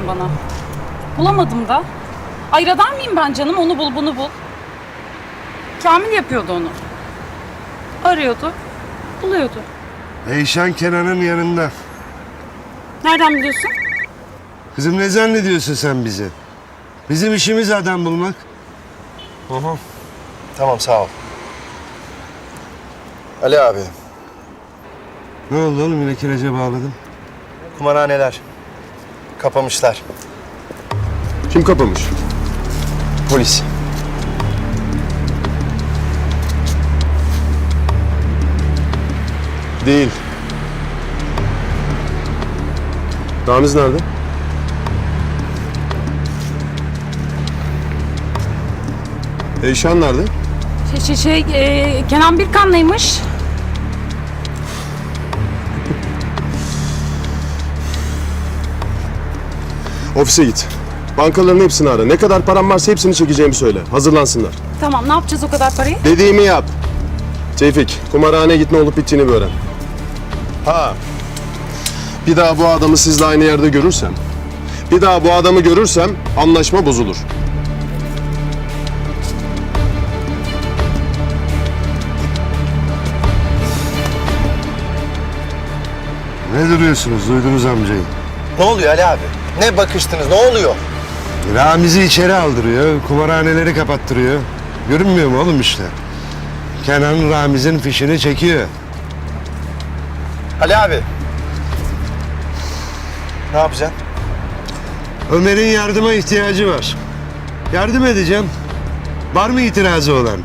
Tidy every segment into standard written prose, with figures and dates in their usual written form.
dedim bana. Bulamadım da. Ay radar mıyım ben canım? Onu bul, bunu bul. Kamil yapıyordu onu. Arıyordu, buluyordu. Eyşan Kenan'ın yanında. Nereden biliyorsun? Kızım ne zannediyorsun sen bizi? Bizim işimiz adam bulmak. Tamam sağ ol. Ali abi, Ne oldu oğlum yine kirece bağladım. kumarhaneler kapamışlar. Kim kapamış? Polis. Değil. Ramiz nerede? Eyşan nerede? Kenan Birkan'laymış. Ofise git. Bankaların hepsini ara. Ne kadar param varsa hepsini çekeceğimi söyle. Hazırlansınlar. Tamam, ne yapacağız o kadar parayı? Dediğimi yap. Tevfik, kumarhaneye git, ne olup bittiğini bir öğren. Ha. Bir daha bu adamı sizle aynı yerde görürsem, anlaşma bozulur. Ne duruyorsunuz? Duydunuz amcayı. Ne oluyor Ali abi? Ne bakıştınız? Ne oluyor? Ramiz'i içeri aldırıyor, kumarhaneleri kapattırıyor. Görünmüyor mu oğlum işte? Kenan Ramiz'in fişini çekiyor. Ali abi. Ne yapacaksın? Ömer'in yardıma ihtiyacı var. Yardım edeceğim. Var mı itirazı olan?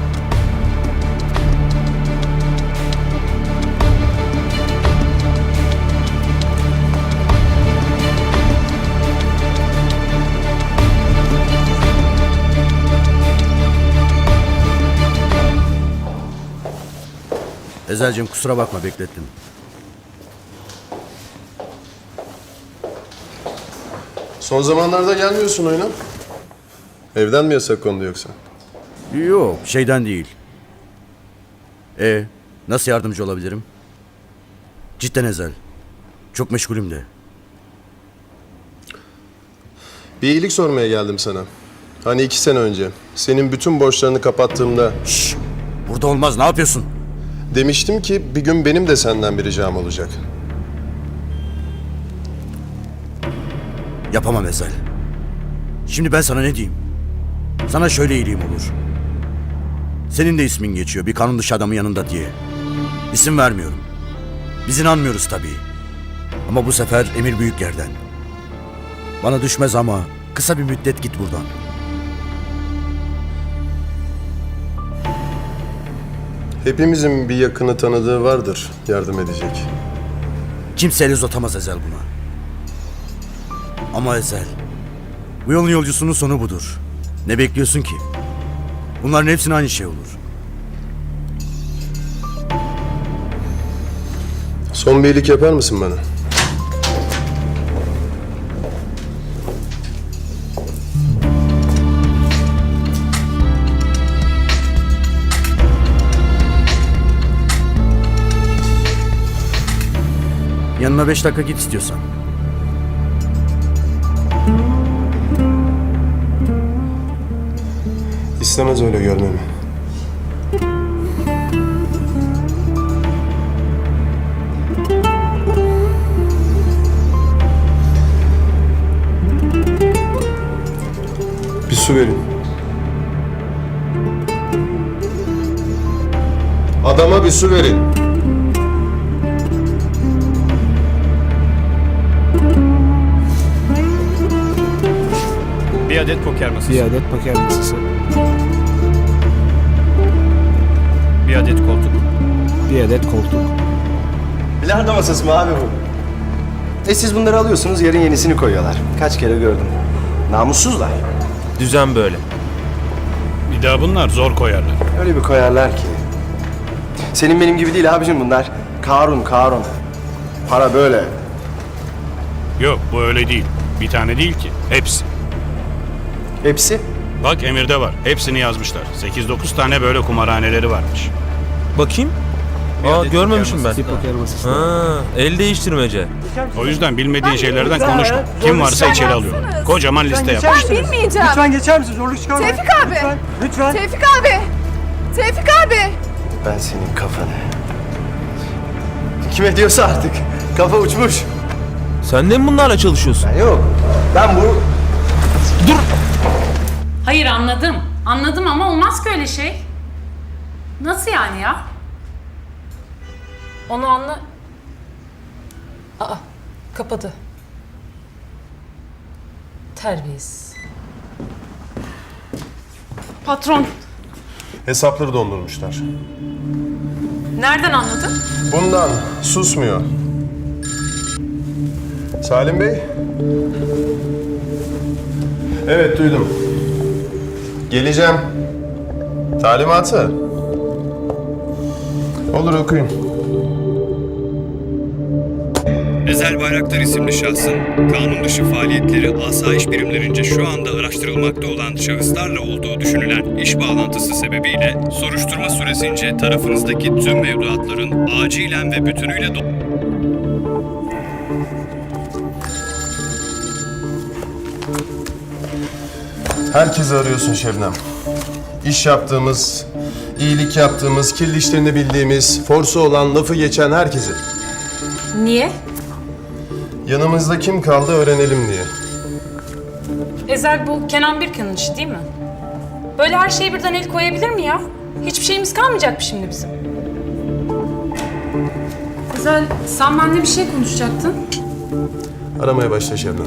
Ezel'cim kusura bakma beklettim. Son zamanlarda gelmiyorsun oyuna. Evden mi yasak kondu yoksa? Yok şeyden değil. Nasıl yardımcı olabilirim? Cidden Ezel. Çok meşgulüm de. Bir iyilik sormaya geldim sana. Hani 2 sene önce senin bütün borçlarını kapattığımda Şşş! Burada olmaz, ne yapıyorsun? demiştim ki bir gün benim de senden bir ricam olacak. Yapamam Ezel. Şimdi ben sana ne diyeyim? Sana şöyle iyiliğim olur. Senin de ismin geçiyor bir kanun dışı adamın yanında diye. İsim vermiyorum. Biz inanmıyoruz tabii. Ama bu sefer emir büyük yerden. Bana düşmez ama kısa bir müddet git buradan. Hepimizin bir yakını tanıdığı vardır yardım edecek. Kimse el uzatamaz Ezel buna. Ama Ezel, bu yolun yolcusunun sonu budur. Ne bekliyorsun ki? Bunların hepsine aynı şey olur. Son bir iyilik yapar mısın bana? Yanına 5 dakika git istiyorsan. İstemez öyle görmemi. Bir su verin. Adama bir su verin. Bir adet poker masası. Bir adet poker masası. Bir adet koltuk. Bir adet koltuk. Bilardo masası mı abi bu? Siz bunları alıyorsunuz, yarın yenisini koyuyorlar. Kaç kere gördüm. Namussuzlar. Düzen böyle. Bir daha bunlar zor koyarlar. Öyle bir koyarlar ki. Senin benim gibi değil abicim bunlar. Karun. Para böyle. Yok bu öyle değil. Bir tane değil ki. Hepsi. Hepsi. Bak emirde var. Hepsini yazmışlar. 8-9 tane böyle kumarhaneleri varmış. Bakayım. Aa görmemişim ben. Bir poker masası. Ha, el değiştirmece. O yüzden bilmediğin şeylerden konuşma. Kim varsa içeri alıyor. Kocaman liste yap. Ben bilmeyeceğim. Lütfen geçer misin? Zorluk çıkarma. Tevfik abi. Lütfen. Lütfen. Tevfik abi. Tevfik abi. Ben senin kafanı. Kime diyorsa artık. Kafa uçmuş. Sen de mi bunlarla çalışıyorsun? Ben yok. Ben bu... Hayır anladım. Anladım ama olmaz ki öyle şey. Nasıl yani ya? Onu anla... Aa, kapadı. Terbiyesiz. Patron, Hesapları dondurmuşlar. nereden anladın? Bundan susmuyor. Salim Bey? Evet duydum. Geleceğim. Talimatı. Olur okuyun. Ezel Bayraktar isimli şahsın kanun dışı faaliyetleri asayiş birimlerince şu anda araştırılmakta olan şahıslarla olduğu düşünülen iş bağlantısı sebebiyle soruşturma süresince tarafınızdaki tüm mevduatların acilen ve bütünüyle Herkesi arıyorsun Şebnem. İş yaptığımız, iyilik yaptığımız, kirli işlerini bildiğimiz, forsu olan, lafı geçen herkesi. Niye? Yanımızda kim kaldı öğrenelim diye. Ezel bu Kenan Birkan'ın işi değil mi? Böyle her şeye birden el koyabilir mi ya? Hiçbir şeyimiz kalmayacak mı şimdi bizim? Ezel, sen benimle bir şey konuşacaktın. Aramaya başla Şebnem.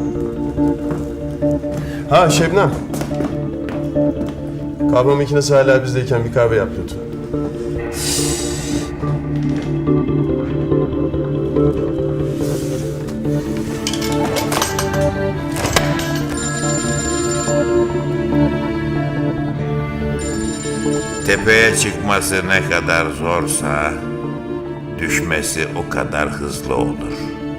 Ha Şebnem. Kahve makinesi hala bizdeyken bir kahve yap lütfen. Tepeye çıkması ne kadar zorsa düşmesi o kadar hızlı olur.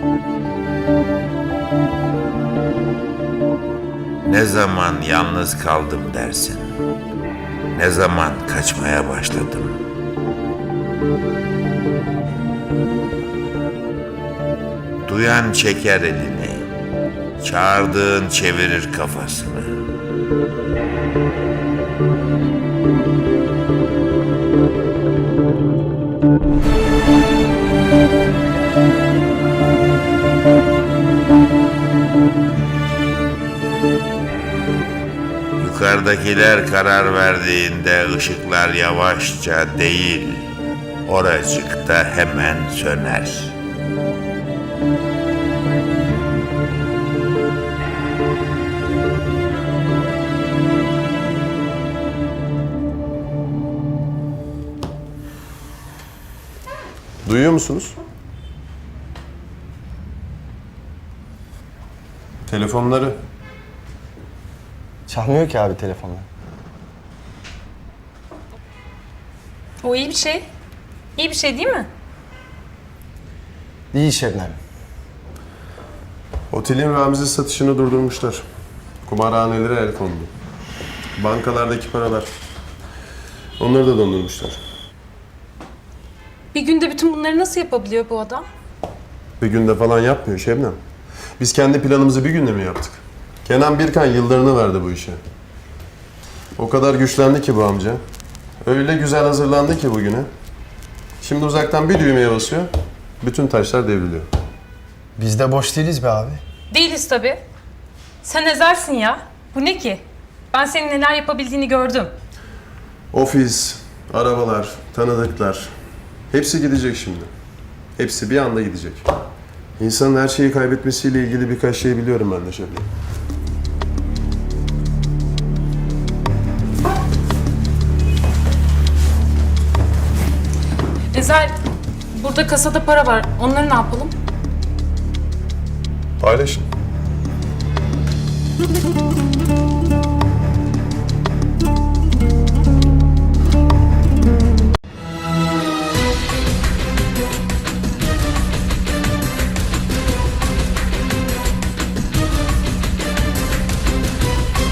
Ne zaman yalnız kaldım dersin? Ne zaman kaçmaya başladım? Duyan çeker elini, çağırdığın çevirir kafasını. Yukarıdakiler karar verdiğinde ışıklar yavaşça değil, oracıkta hemen söner. Duyuyor musunuz? Telefonları. Çalmıyor ki abi telefonla. O iyi bir şey. İyi bir şey değil mi? İyi Şebnem. Otelin Ramiz'in satışını durdurmuşlar. Kumarhanelere el kondu. Bankalardaki paralar. Onları da dondurmuşlar. Bir günde bütün bunları nasıl yapabiliyor bu adam? Bir günde falan yapmıyor Şebnem. Biz kendi planımızı bir günde mi yaptık? Kenan Birkan yıllarını verdi bu işe. O kadar güçlendi ki bu amca. Öyle güzel hazırlandı ki bugüne. Şimdi uzaktan bir düğmeye basıyor, bütün taşlar devriliyor. Biz de boş değiliz be abi. Değiliz tabii. Sen Ezel'sin ya. Bu ne ki? Ben senin neler yapabildiğini gördüm. Ofis, arabalar, tanıdıklar. Hepsi gidecek şimdi. Hepsi bir anda gidecek. İnsanın her şeyi kaybetmesiyle ilgili birkaç şey biliyorum ben de Şebnem. Ezel, burada kasada para var. Onları ne yapalım? Paylaşın.